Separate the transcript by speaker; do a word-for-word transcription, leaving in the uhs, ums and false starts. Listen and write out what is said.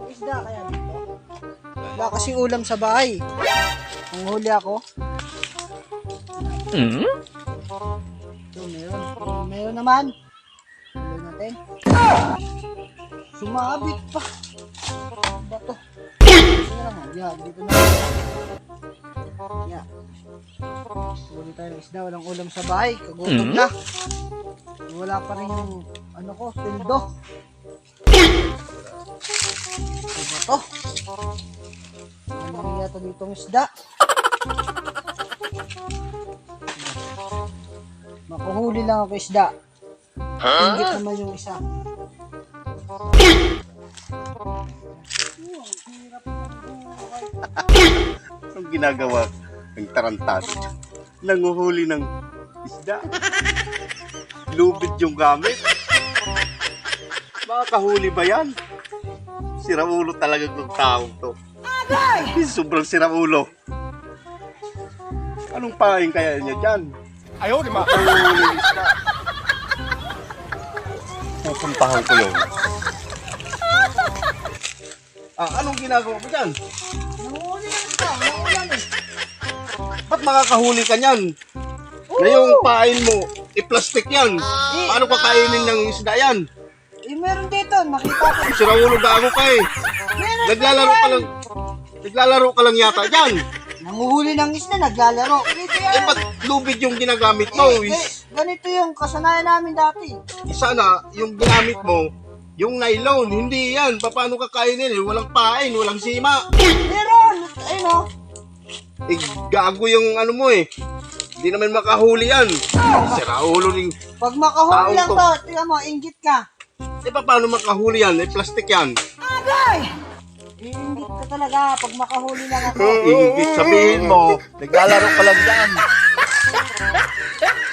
Speaker 1: isda kaya dito. Wala kasing ulam sa bahay. Ang huli ako.
Speaker 2: Hmm?
Speaker 1: Ito, meron. Meron naman. Huli natin. Sumabit pa. Ano ba to? Ito na lang. Yan, dito na. Yan. Huli tayo ng isda. Walang ulam sa bahay. Kagutom na. Wala pa rin yung ano ko, pildo. Ano ba to? Ano rin yata ditong isda? Makuhuli lang ako isda. Ingit naman yung isa.
Speaker 3: Anong ginagawa ng tarantado? Nanguhuli ng isda. Lubid yung gamit. Makakahuli ba yan? Siraulo talaga ng taong to. Sobrang siraulo. Anong paing kaya niya dyan? Ayaw, di ba? Makahuli ng isda. Pupuntahan ko yun. Ah, anong ginagawa mo dyan?
Speaker 1: Nanguhuli lang isda. Nanguhuli eh.
Speaker 3: Ba't makakahuli ka niyan? Na yung pain mo, i-plastic yan. Paano kakainin ng isda yan?
Speaker 1: Eh, meron dito. Nakita ko.
Speaker 3: Siraulo gago ka eh.
Speaker 1: Meron
Speaker 3: Naglalaro ka lang. Naglalaro ka lang yata dyan.
Speaker 1: Nanguhuli ng isda. Naglalaro. Dito
Speaker 3: Eh,
Speaker 1: yan.
Speaker 3: ba't lubid yung ginagamit mo?
Speaker 1: Eh, eh, ganito yung kasanayan namin dati.
Speaker 3: Isa na, yung ginamit mo, yung nylon, hindi yan. Paano kakainin eh? Walang pain, walang sima.
Speaker 1: Meron. Ayun o.
Speaker 3: Eh, gago yung ano mo eh. Hindi naman makahuli yan. Siraulo rin.
Speaker 1: Pag makahuli
Speaker 3: Taong
Speaker 1: lang
Speaker 3: to.
Speaker 1: to, tingnan mo, inggit ka.
Speaker 3: Eh, paano makahuli yan? Eh, plastic yan.
Speaker 1: Agay! Inggit ka talaga pag makahuli lang ako.
Speaker 3: Ingit sabihin mo, naglalaro ka lang dyan.